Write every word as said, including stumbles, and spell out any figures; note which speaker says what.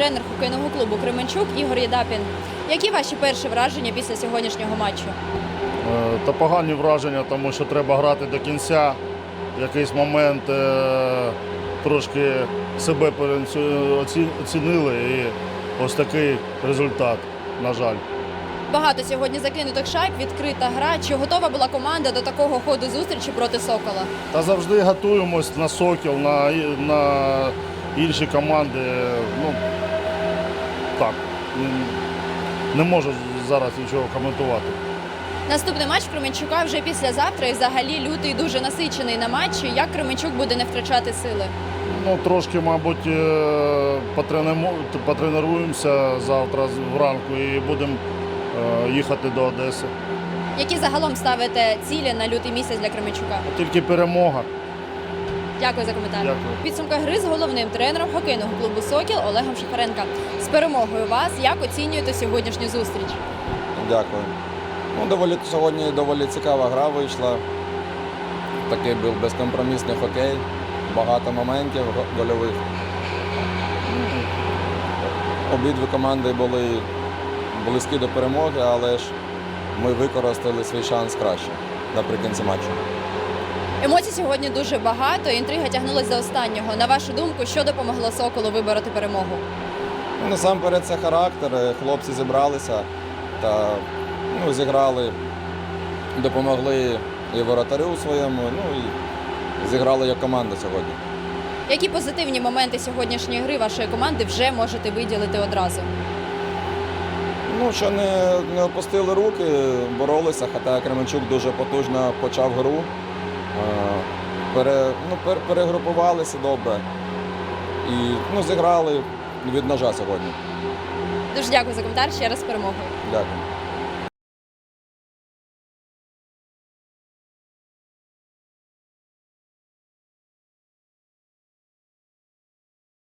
Speaker 1: тренер хокейного клубу «Кременчук» Ігор Єдапін. Які ваші перші враження після сьогоднішнього матчу?
Speaker 2: Е, Та погані враження, тому що треба грати до кінця. В якийсь момент е, трошки себе оцінили і ось такий результат, на жаль.
Speaker 1: Багато сьогодні закинутих шайб, відкрита гра. Чи готова була команда до такого ходу зустрічі проти «Сокола»?
Speaker 2: Та завжди готуємось на «Сокіл», на, і- на інші команди. Ну, так, м, не можу зараз нічого коментувати.
Speaker 1: Наступний матч Кременчука вже післязавтра і взагалі лютий дуже насичений на матчі. Як Кременчук буде не втрачати сили?
Speaker 2: Ну, трошки, мабуть, е, потренемо- потренуємося завтра з- вранку і будемо е, їхати до Одеси.
Speaker 1: Які загалом ставите цілі на лютий місяць для Кременчука?
Speaker 2: Тільки перемога.
Speaker 1: Дякую за коментар.
Speaker 2: Дякую.
Speaker 1: Підсумка гри з головним тренером хокейного клубу «Сокіл» Олегом Шахаренка. З перемогою вас, як оцінюєте сьогоднішню зустріч?
Speaker 3: Дякую. Ну, доволі, сьогодні доволі цікава гра вийшла. Такий був безкомпромісний хокей, багато моментів го- гольових. Ну, Обидві команди були близькі до перемоги, але ж ми використали свій шанс краще наприкінці матчу.
Speaker 1: Емоцій сьогодні дуже багато, інтрига тягнулася до останнього. На вашу думку, що допомогло «Соколу» вибороти перемогу?
Speaker 3: Ну, насамперед це характер. Хлопці зібралися та ну, зіграли, допомогли і воротарю своєму, ну і зіграли як команда сьогодні.
Speaker 1: Які позитивні моменти сьогоднішньої гри вашої команди вже можете виділити одразу?
Speaker 3: Ну, що не, не опустили руки, боролися, хоча Кременчук дуже потужно почав гру. Е, Пере, ну, пер, перегрупувалися добре і ну, зіграли від ножа сьогодні.
Speaker 1: Дуже дякую за коментар, ще раз з перемогою.
Speaker 3: Дякую.